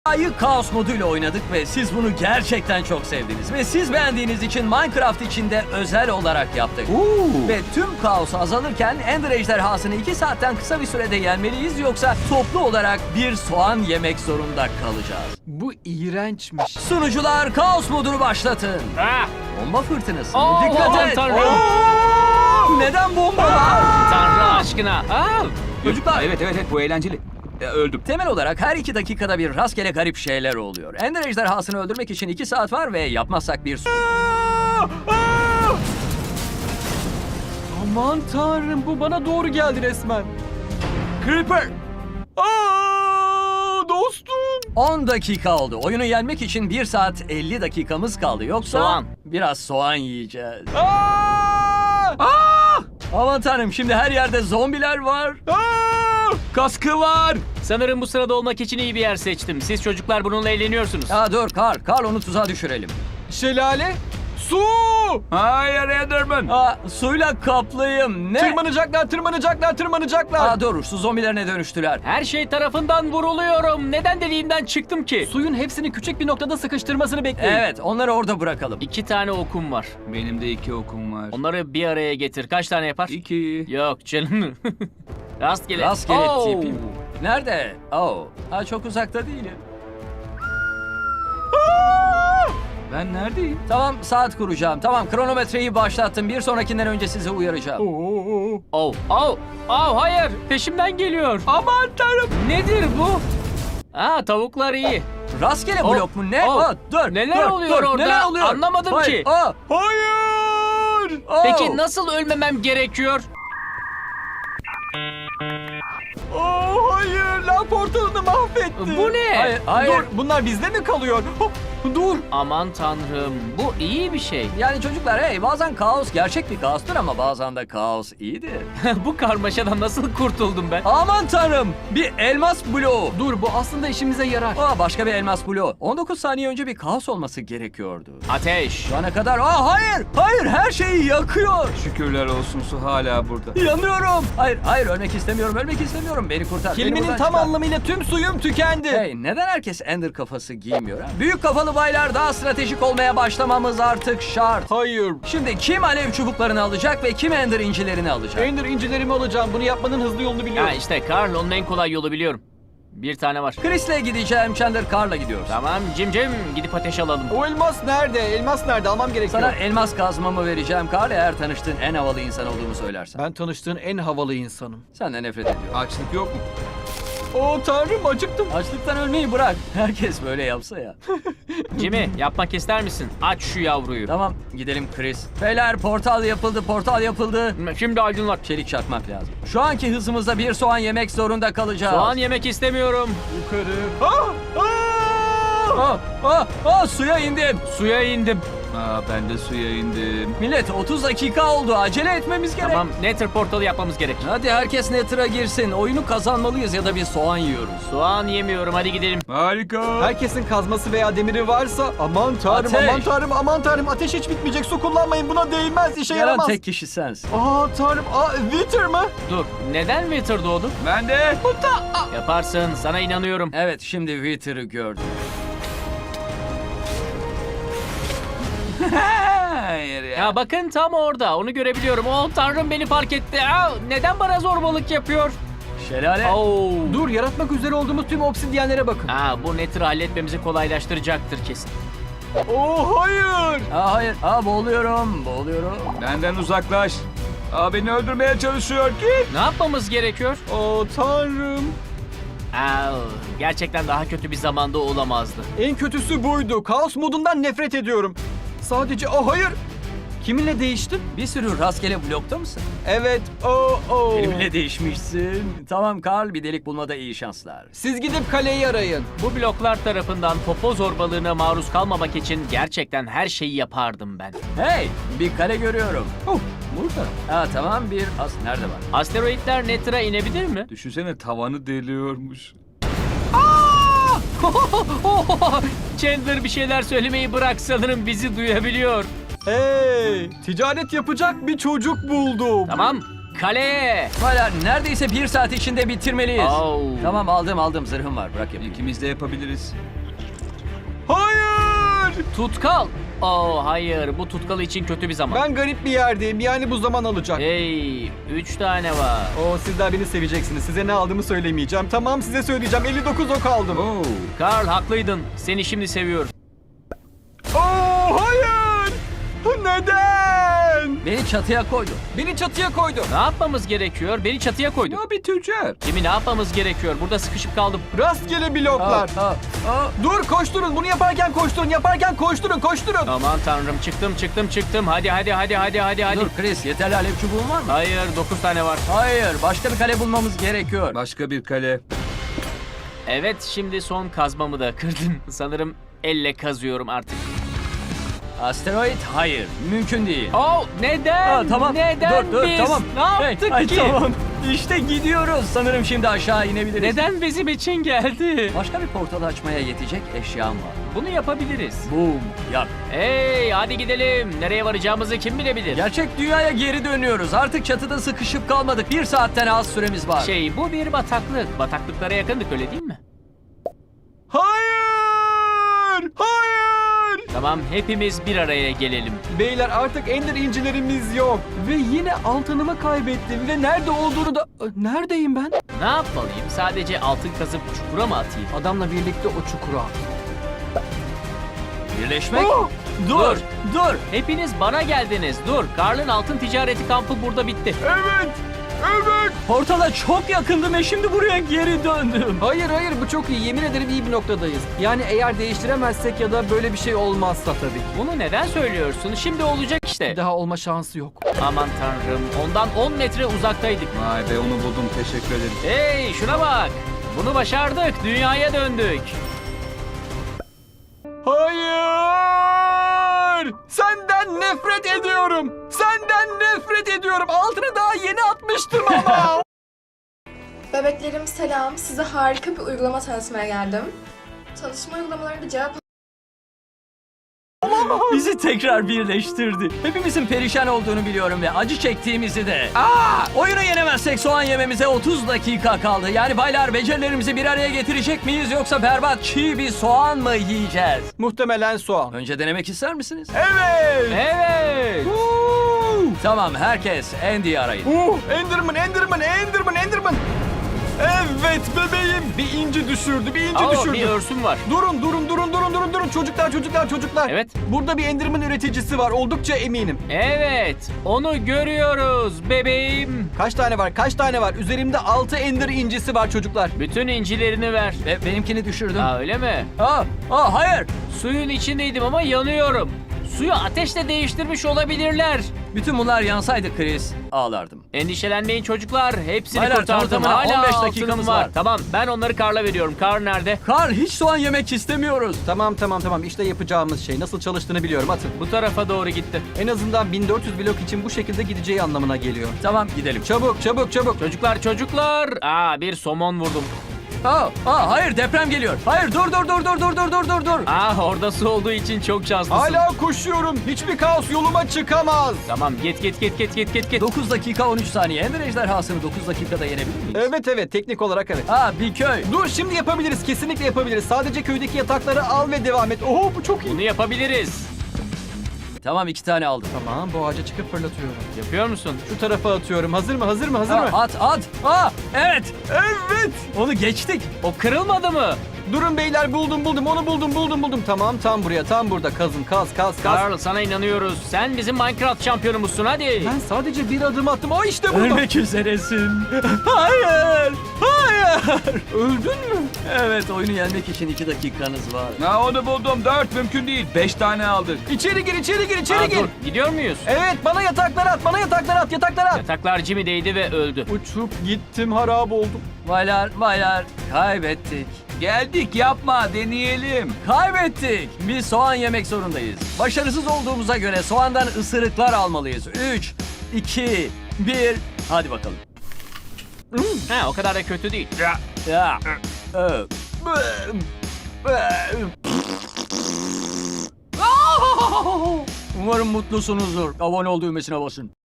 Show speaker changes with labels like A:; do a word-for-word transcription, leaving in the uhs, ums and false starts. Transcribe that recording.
A: Ayı Kaos moduyla oynadık ve siz bunu gerçekten çok sevdiniz. Ve siz beğendiğiniz için Minecraft için de özel olarak yaptık.
B: Oo.
A: Ve tüm kaos azalırken Ender ejderhasını iki saatten kısa bir sürede yenmeliyiz, yoksa toplu olarak bir soğan yemek zorunda kalacağız.
B: Bu iğrençmiş.
A: Sunucular kaos modunu başlatın.
C: Ah!
A: Bomba fırtınası.
C: Oo,
A: Dikkat
C: aman
A: et.
C: tanrım.
A: Oo! Neden bomba var?
C: Tanrı aşkına. Aa!
A: Çocuklar,
D: Evet evet evet bu eğlenceli. E, öldüm.
A: temel olarak her iki dakikada bir rastgele garip şeyler oluyor. Ender ejderhasını öldürmek için iki saat var ve yapmazsak bir su...
B: Aman tanrım, bu bana doğru geldi resmen.
A: Creeper!
B: Aa, dostum.
A: on dakika oldu. Oyunu yenmek için bir saat elli dakikamız kaldı. Yoksa
C: Soğan.
A: biraz soğan yiyeceğiz.
B: Aa!
A: Aa! Aman tanrım, şimdi her yerde zombiler var.
B: Aa!
D: Kaskı var.
C: Sanırım bu sırada olmak için iyi bir yer seçtim. Siz çocuklar bununla eğleniyorsunuz.
A: Ya dur Karl, Karl onu tuzağa düşürelim.
B: Şelale. Su.
D: Hayır Enderman.
A: Aa, suyla kaplıyım. Ne?
B: Tırmanacaklar, tırmanacaklar, tırmanacaklar.
A: Aa dur, su zombilerine dönüştüler.
C: Her şey tarafından vuruluyorum. Neden deliğimden çıktım ki?
B: Suyun hepsini küçük bir noktada sıkıştırmasını bekleyin.
A: Evet, onları orada bırakalım.
C: İki tane okum var.
D: Benim de iki okum var.
C: Onları bir araya getir. Kaç tane yapar?
D: İki.
C: Yok canım. Rastgele.
A: Rastgele
C: Oo!
A: tipim. Nerede? Oh, ha, çok uzakta değilim.
D: Ben neredeyim?
A: Tamam, saat kuracağım. Tamam, kronometreyi başlattım. Bir sonrakinden önce sizi uyaracağım.
B: Oo.
C: Oh, oh, oh, hayır. Peşimden geliyor.
B: Aman tanrım.
C: Nedir bu? Aa, tavuklar iyi.
A: Rastgele
C: Oh,
A: blok mu? Ne?
C: oh.
A: Aa, dur.
C: Neler
A: dur,
C: oluyor
A: dur.
C: orada?
A: Neler oluyor?
C: Anlamadım
A: Hayır,
C: ki.
A: Aa,
B: Hayır.
A: oh.
C: Peki nasıl ölmemem gerekiyor?
B: Oo, hayır. Lan portalını mahvetti.
C: Bu ne?
A: Hayır, hayır.
B: Dur, bunlar bizde mi kalıyor? Hop, dur.
C: Aman tanrım, bu iyi bir şey.
A: Yani çocuklar, hey, bazen kaos gerçek bir kaostur ama bazen de kaos iyidir.
C: Bu karmaşadan nasıl kurtuldum ben?
A: Aman tanrım, bir elmas bloğu.
B: Dur, bu aslında işimize yarar.
A: Aa, başka bir elmas bloğu. on dokuz saniye önce bir kaos olması gerekiyordu.
C: Ateş.
A: Şu ana kadar, aa hayır, hayır, her şeyi yakıyor.
D: Şükürler olsun su hala burada.
A: Yanıyorum. Hayır, hayır, ölmek istemiyorum, ölmek istemiyorum. Beni kurtar. beni
B: Kelimenin
A: buradan
B: tam
A: çıkar.
B: anlamıyla tüm suyum tükendi.
A: Hey, neden herkes Ender kafası giymiyor ha? Büyük kafalı baylar, daha stratejik olmaya başlamamız artık şart.
B: Hayır.
A: Şimdi kim alev çubuklarını alacak ve kim Ender incilerini alacak?
B: Ender incilerimi alacağım. Bunu yapmanın hızlı yolunu biliyorum.
C: Ha işte Karl, onun en kolay yolu biliyorum. Bir tane var.
A: Chris'le gideceğim, Chandler Carr'la gidiyoruz.
C: Tamam Cim Cim, gidip ateş alalım.
B: O elmas nerede? Elmas nerede? Almam gerekiyor.
A: Sana elmas kazmamı vereceğim Carl, eğer tanıştığın en havalı insan olduğumu söylersen.
B: Ben tanıştığın en havalı insanım.
A: Senden nefret ediyorum.
D: Açlık yok mu?
B: Oo tanrım, acıktım.
A: Açlıktan ölmeyi bırak. Herkes böyle yapsa ya.
C: Jimmy, yapmak ister misin? Aç şu yavruyu.
A: Tamam, gidelim Chris. Beyler, portal yapıldı, portal yapıldı.
C: Şimdi aydınlat.
A: Çelik çakmak lazım. Şu anki hızımızda bir soğan yemek zorunda kalacağız.
C: Soğan yemek istemiyorum.
B: Yukarı. Ah! Ah!
A: Aa, aa, aa, suya indim.
C: Suya indim.
D: Aa ben de suya indim.
A: Millet, otuz dakika oldu. Acele etmemiz gerek.
C: Tamam, Nether portalı yapmamız gerek.
A: Hadi herkes Nether'a girsin. Oyunu kazanmalıyız ya da bir soğan yiyoruz.
C: Soğan yemiyorum, hadi gidelim.
D: Harika.
B: Herkesin kazması veya demiri varsa aman tanrım,
A: Ateş.
B: aman tanrım, aman tanrım. Ateş hiç bitmeyecek. Su kullanmayın. Buna değmez. İşe
A: Yaran
B: yaramaz.
A: tek kişi sensin.
B: Aa tanrım. Aa Wither mı?
C: Dur, neden Wither doğdu?
D: Ben de.
C: Yaparsın, sana inanıyorum.
A: Evet, şimdi Wither'ı gördüm.
D: Hayır ya.
C: Ya bakın tam orada, onu görebiliyorum. Oh tanrım, beni fark etti. Aa, neden bana zorbalık yapıyor?
A: Şelale.
C: Oo.
B: Dur, yaratmak üzere olduğumuz tüm obsidyenlere bakın.
C: Aa, bu Nether'ı halletmemizi kolaylaştıracaktır kesin.
B: Oo hayır.
A: Aa, hayır. Aa, boğuluyorum. Boğuluyorum.
D: Benden uzaklaş. Aa beni öldürmeye çalışıyor. Git.
C: Ne yapmamız gerekiyor?
B: Oo tanrım.
C: Aa, gerçekten daha kötü bir zamanda olamazdı.
B: En kötüsü buydu. Kaos modundan nefret ediyorum. Sadece oh hayır. Kiminle değiştim?
A: Bir sürü rastgele blokta mısın?
B: Evet. Oo oo.
A: Benimle değişmişsin. Tamam Carl, bir delik bulmada iyi şanslar.
B: Siz gidip kaleyi arayın.
C: Bu bloklar tarafından popo zorbalığına maruz kalmamak için gerçekten her şeyi yapardım ben.
A: Hey, bir kare görüyorum. Huh, burada. Ha tamam, bir as nerede var?
C: Asteroidler Nether'a inebilir mi?
D: Düşünsene tavanı deliyormuş.
C: Chandler bir şeyler söylemeyi bırak, sanırım bizi duyabiliyor.
B: Hey, ticaret yapacak bir çocuk buldum.
C: Tamam, kaleye.
A: Baylar neredeyse bir saat içinde bitirmeliyiz.
C: Oh.
A: Tamam aldım aldım zırhım var bırak yapayım.
D: İkimiz de yapabiliriz.
B: Hayır!
C: Tutkal. Oh hayır, bu tutkal için kötü bir zaman.
B: Ben garip bir yerdeyim. Yani bu zaman alacak.
C: Hey, üç tane var.
B: Oo, sizler beni seveceksiniz. Size ne aldığımı söylemeyeceğim. Tamam, size söyleyeceğim. elli dokuz ok aldım.
D: Oo.
C: Karl haklıydın. Seni şimdi seviyorum.
B: Oo, hayır! Neden?
A: Beni çatıya koydu.
B: Beni çatıya koydu.
C: Ne yapmamız gerekiyor? Beni çatıya koydu.
D: Ya bir tüccar.
C: Kimi ne yapmamız gerekiyor? Burada sıkışıp kaldım.
B: Rastgele bloklar.
A: Aa, aa, aa.
B: Dur, koşturun. Bunu yaparken koşturun. Yaparken koşturun, koşturun.
C: Aman tanrım, çıktım çıktım çıktım. Hadi hadi hadi hadi hadi hadi.
A: Dur Chris yeterli alev çubuğun var mı?
C: Hayır, dokuz tane var.
A: Hayır başka bir kale bulmamız gerekiyor.
D: Başka bir kale.
C: Evet, şimdi son kazmamı da kırdım. Sanırım elle kazıyorum artık.
A: Asteroid hayır mümkün değil.
C: Oh, neden?
A: Aa, tamam
C: Neden
A: dur dur
C: biz?
A: tamam.
C: Ne yaptık
A: Hey, ay,
C: ki?
A: Tamam işte gidiyoruz. Sanırım şimdi aşağı inebiliriz.
C: Neden bizim için geldi?
A: Başka bir portal açmaya yetecek eşyam var.
C: Bunu yapabiliriz.
A: Boom yap.
C: Hey, hadi gidelim. Nereye varacağımızı kim bilebilir?
A: Gerçek dünyaya geri dönüyoruz. Artık çatıda sıkışıp kalmadık. Bir saatten az süremiz var.
C: Şey, bu bir bataklık. Bataklıklara yakındık, öyle değil mi?
B: Hayır! Hayır!
C: Tamam, hepimiz bir araya gelelim.
B: Beyler artık ender incilerimiz yok. Ve yine altınımı kaybettim ve nerede olduğunu da... Neredeyim ben?
C: Ne yapmalıyım? Sadece altın kazıp çukura mı atayım?
B: Adamla birlikte o çukura at.
A: Birleşmek.
B: Oh!
A: Dur dur.
C: Hepiniz bana geldiniz. Dur, Karl'ın altın ticareti kampı burada bitti.
B: Evet! Evet!
A: Portala çok yakındım ve şimdi buraya geri döndüm.
B: Hayır hayır, bu çok iyi. Yemin ederim iyi bir noktadayız. Yani eğer değiştiremezsek ya da böyle bir şey olmazsa tabii ki.
C: Bunu neden söylüyorsun? Şimdi olacak işte.
B: Bir daha olma şansı yok.
C: Aman tanrım, ondan on metre uzaktaydık.
D: Vay be onu buldum teşekkür ederim.
C: Hey, şuna bak. Bunu başardık. Dünyaya döndük.
B: Hayır! Senden nefret ediyorum. Senden nefret ediyorum. Altını daha yeni atmıştım ama.
E: Bebeklerim selam. Size harika bir uygulama tanıtmaya geldim. Tanışma uygulamalarında cevap
A: Bizi tekrar birleştirdi. Hepimizin perişan olduğunu biliyorum ve acı çektiğimizi de. Aa! Oyunu yenemezsek soğan yememize otuz dakika kaldı. Yani baylar becerilerimizi bir araya getirecek miyiz yoksa berbat çiğ bir soğan mı yiyeceğiz?
B: Muhtemelen soğan.
A: Önce denemek ister misiniz?
B: Evet!
C: Evet.
B: Woo!
A: Tamam herkes Andy'yi arayın.
B: Uh, Enderman, Enderman, Enderman, Enderman. Evet bebeğim. Bir inci düşürdü, bir inci
C: Aa,
B: düşürdü.
C: bir örsüm var.
B: Durun, durun, durun, durun, durun, durun. Çocuklar, çocuklar, çocuklar.
C: Evet.
B: Burada bir Enderman üreticisi var. Oldukça eminim.
C: Evet, onu görüyoruz bebeğim.
B: Kaç tane var? Kaç tane var? Üzerimde altı Ender incisi var çocuklar.
C: Bütün incilerini ver.
A: Ve benimkini düşürdüm.
C: Aa, öyle mi?
A: Aa, aa hayır.
C: Suyun içindeydim ama yanıyorum. Suyu ateşle değiştirmiş olabilirler.
A: Bütün bunlar yansaydı Chris ağlardım.
C: Endişelenmeyin çocuklar. Hepsini
A: Baylar,
C: kurtardım.
A: tanıtımına
C: Hala
A: on beş
C: altınım
A: dakikamız
C: var.
A: var.
C: Tamam, ben onları Karl'a veriyorum. Karl nerede?
A: Karl hiç soğan yemek istemiyoruz.
B: Tamam, tamam, tamam. İşte yapacağımız şey. Nasıl çalıştığını biliyorum. Atın.
C: Bu tarafa doğru gitti.
B: En azından bin dört yüz blok için bu şekilde gideceği anlamına geliyor.
A: Tamam gidelim.
B: Çabuk, çabuk, çabuk.
C: Çocuklar, çocuklar. Aa, bir somon vurdum.
A: Aa, aa hayır deprem geliyor. Hayır dur dur dur dur dur dur dur dur dur.
C: Aa, orada su olduğu için çok şanslısın.
B: Hala koşuyorum. Hiçbir kaos yoluma çıkamaz.
C: Tamam, git git git git git git git.
A: dokuz dakika on üç saniye. Ender ejderhasını dokuz dakikada yenebilir miyiz?
B: Evet, evet. Teknik olarak evet.
A: Aa bir köy.
B: Dur, şimdi yapabiliriz. Kesinlikle yapabiliriz. Sadece köydeki yatakları al ve devam et. Oho, bu çok iyi.
C: Bunu yapabiliriz.
A: Tamam iki tane aldım.
B: Tamam, bu ağaca çıkıp fırlatıyorum.
C: Yapıyor musun?
B: Şu tarafa atıyorum. Hazır mı? Hazır mı? Hazır
A: Aa,
B: mı?
A: at at. Aa evet.
B: Evet.
A: Onu geçtik.
C: O kırılmadı mı?
B: Durun beyler, buldum buldum. Onu buldum buldum buldum. Tamam, tam buraya. Tam burada. Kazın, kaz, kaz, kaz.
C: Karl, sana inanıyoruz. Sen bizim Minecraft şampiyonumuzsun, hadi.
B: Ben sadece bir adım attım. Aa, işte burada.
A: Ölmek üzeresin. Hayır. Hayır.
B: Öldün mü?
A: Evet oyunu yenmek için iki dakikanız var.
D: Ha onu buldum. Dört mümkün değil. Beş tane aldık.
B: İçeri gir, içeri gir, içeri
C: Aa,
B: gir.
C: dur, gidiyor muyuz?
B: Evet, bana yataklar at. Bana yataklar at. Yataklar at.
C: Yataklar Jimmy'deydi ve öldü.
B: Uçup gittim, harap oldum.
A: Baylar baylar kaybettik.
D: Geldik yapma deneyelim.
A: Kaybettik. Biz soğan yemek zorundayız. Başarısız olduğumuza göre soğandan ısırıklar almalıyız. üç, iki, bir. Hadi bakalım.
C: Ha, o kadar da kötü değil.
A: Ya. Umarım mutlusunuzdur. Abone ol düğmesine basın.